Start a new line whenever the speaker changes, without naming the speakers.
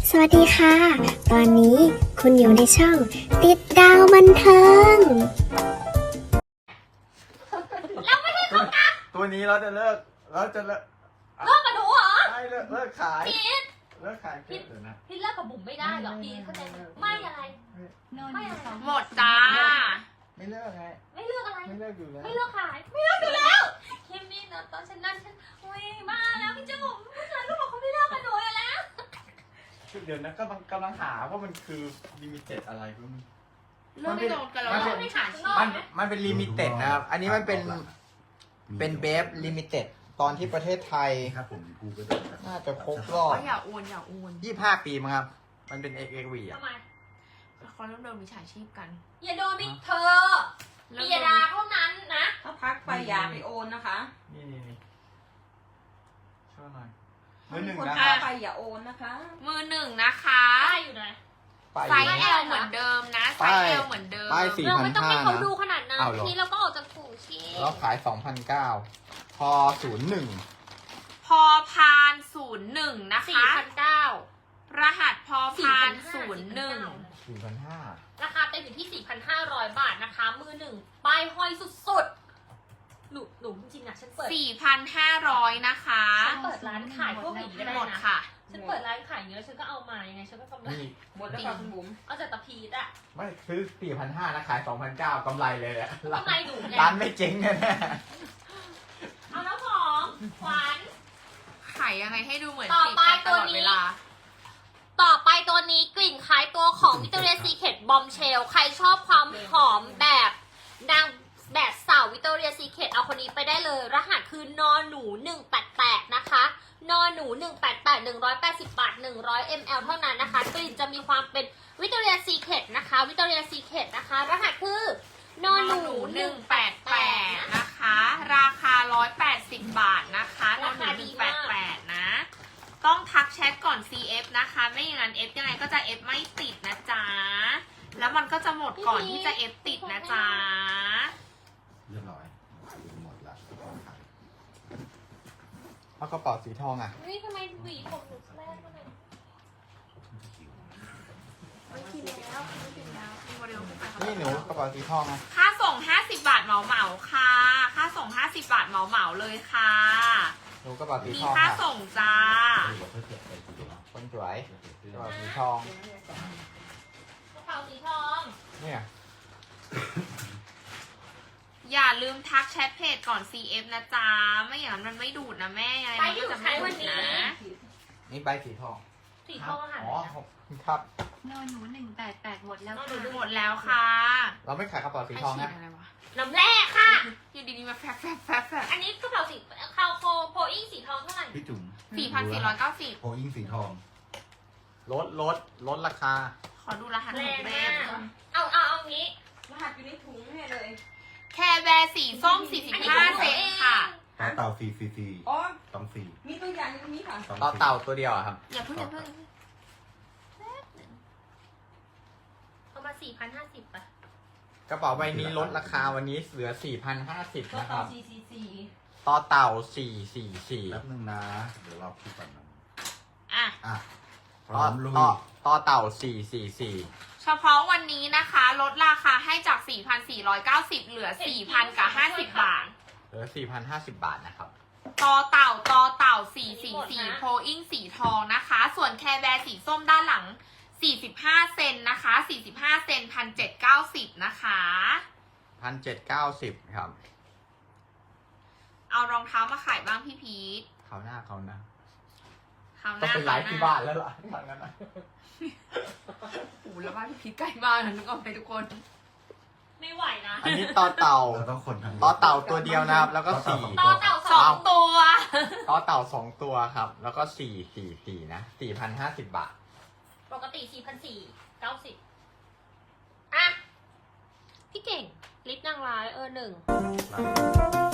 สวัสดีค่ะ ตอนนี้คุณอยู่ในช่องติดดาวบันเทิง
ตัวนี้เราจะเลิกกับหนูเหรอใช่เลิกขาย
พีท
เลิกขายเดี๋ยวนะ
พีทเลิกกับบุ๋มไม่ได้หรอกพีทเข้าใจไหมไม่อะไร ไม่อะไร
หมดจ้า
ไม่เลิกไง
ไม่เลือกอะไร
ไม่เลิกอยู่แล้ว
ไม่เลือกขาย ไม่เลือกอยู่แล้วคิมมี่นะตอนฉันนั่นฉันอุ้ยมาแล้วพี่จุ๋มผู้ชายก็บอกเขาไม่เลือกกับหนูอยู่แล้ว
เดี๋ยวนะกำลังหาว่ามันคือลิมิเต็ดอะไรก็มัน
เริ่มไม่โดนกันแล้ว
ไม่หาชิ้น
มันเป็นลิมิเต็ดนะครับ อันนี้มันเป็นเบฟลิมิเต็ดตอนที่ประเทศไทย
ครับผมกูก็ได้ครับ
น่าจะครบรอบ
อย่าโอน
25 ปีมั้งครับ มันเป็น XXV อ่ะ
ทำไม
เขาเริ่มโดนมิจฉาชีพกัน
อย่าโดนมิเธอปิยดาเท่านั้นนะ
ถ้าพักไปอย่าไปโอนนะคะ
นี่ช่วยหน่อยมือหนึ่ง
คน
นะค
พั
รั
ก
บ
ไปอย่าโอนนะคะ
มือหนึ่งนะคะ
ได้อยู่นะ
ไซส์ L เหมือนเดิมนะไซส์ L เหมือนเดิม
ป้าย
เราไม่ต้องให้เขาดู
4,500
ขนาดนั้น
เอาเหรอ
ทีเราก็ออกจากถุงชี
แล้วขาย 2,900 พอ 01
พอพาน01นะคะ
4,900
รหัสพอพาน01
4,500
ราคาเต็มอยู่ที่ 4,500 บาทนะคะ มือหนึ่งป้ายห้อยสุดๆหนูจริงๆนะฉันเปิด
4,500นะคะ
ฉันเปิดร้านขายพวกนี้ก็ได้
หมด
นะ
ค่ะ
ฉันเปิดร้านขายเยอะฉันก็เอามายังไงฉันก็กำไร
นี่
หมดแล้วค่ะคุณบุ๋ม
เอาจากตะพีดอะ
ไม่ซื้อ 4,500 นะขาย 2,900 กำไรเลยแหละ
ทำไมหนูไง
ร้านไม่เจ๊งแน่
เอาแล้วของขวัญ
ขายยังไงให้ดูเหมือน
ต่อ
ติด
ไป
กันตลอด
ตัวนี้
เวลา
ต่อไปตัวนี้กลิ่นคล้ายตัวของ Victoria's Secret Bombshell ใครชอบความหอมแบบนางแบบสาว Victoria's Secret เอาคนนี้ไปได้เลย รหัสคือนอหนู188นะคะนอหนู188 180 บาท 100 ml เท่านั้นนะคะ กลิ่นจะมีความเป็น Victoria's Secret นะคะ Victoria's Secret นะคะ รหัสคือนอหนู
188นะคะ ราคา 180 บาทนะคะนอนหนู188 นะ ต้องทักแชทก่อน CF นะคะ ไม่อย่างนั้น F ยังไงก็จะ F ไม่ติดนะจ๊ะ แล้วมันก็จะหมดก่อนที่จะ F ติดนะจ๊ะ
เรียบร้อยหมดละ
ๆแล้วกระเป๋าสีทองอ่ะ
นี่ทำไมหวีผมหนูแรกมาเลยไม่กินแล้วไม่กินแล้ว
นี่หนูกระเป๋าสีทองอ่ะ
ค่าส่ง 50 บาทเหมาค่ะ ค่าส่ง 50 บาทเหมาเลยค่ะ
หนูกระเป๋าสี
มี
ทอง
ค่า
ค่ะ
ส่งจ้า
คนสวยกระเป๋าสีทอง
กระเป๋าสีทอง
เนี่ย
อย่าลืมทักแชทเพจก่อน CF นะจ๊ะ ไม่อย่างนั้นมันไม่ดูดนะแม่ยังไงมันก็จะไม่ดูดนะ
นี่ใบสีทอง
สีทองอาหาร
อ๋อขอบคุณครับ
นอนหนู188หมดแล้ว
นอนห
ค่ะ
นู
หมดแล้วค่ะ
เราไม่ขายกระเป๋าสีทองนะ
ไฉีดอะไรวะ
น้ำแร่ค่ะ
อยู่ดีๆมาแฟบ
อันนี้กระเป๋าสีคาวโคโพอิ้งสีทองเท่าไหร่
พี่จุ๋ม
4,490
โพอิงสีทอง
ลดราคา
ขอดูรหัสห
แร
น่อย
ง
แม่
มากเอางี้
รหัสอยู่ในถุงเนี่ยเลย
แคร์แบร์สีส้ม 45 เซนค่ะ
ต่อเต่า4
อ๋อ
ต้อง4
มีตัวอย่างอยู่ตรงนี้ค่ะ
ต่อเต่าตัวเดียวอะครับ
อย่าเพิ่ง
เอามา 4,050ป่ะ
กระเป๋าใบนี้ลดราคาวันนี้เหลือ 4,050
ตัว
นะค
ต่อ
รับ
CCC
ต่อเต่า
แป๊บ
444
นึงนะ เดี๋ยวเราคิดก่อนนะ
อ่ะ
อ่ะพ
ต่
ร้
อ
อมลุย
ต่อเต่า 444
เฉพาะวันนี้นะคะ ลดราคาให้จาก 4,490 เหลือ 4,000 กับ 50 บาท
เหลือ 4,050 บาทนะครับ
ต่อเต่า 444 โพอิ้งสีทองนะคะ ส่วนแคร์แบร์สีส้มด้านหลัง 45 เซนนะคะ 45 เซน 1,790 นะคะ
1,790 ครับ
เอารองเท้ามาขายบ้างพี่พีท
เขาหน้า
คราวห
ต้อง
น้า
ไปไลฟ์ที่บ้านแล้วล่ะทางนั้นนะ
โอ้โหแล้วบ้านพี่พีทใกล้มากนะนึกออกไหมทุกคน
ไม่ไหวนะ
อันนี้ต่อเต่า
เราต้องคนทาง
ต่อเต่าตัวเดียวนะครับ แล้วก็
ต่อเต่า
สองตัว
ต่อเต่า 2 ตัวครับ แล้วก็444นะ 4,050 บาท
ปกติ 4,490อ่ะ พี่เก่ง ลิปนางร้าย1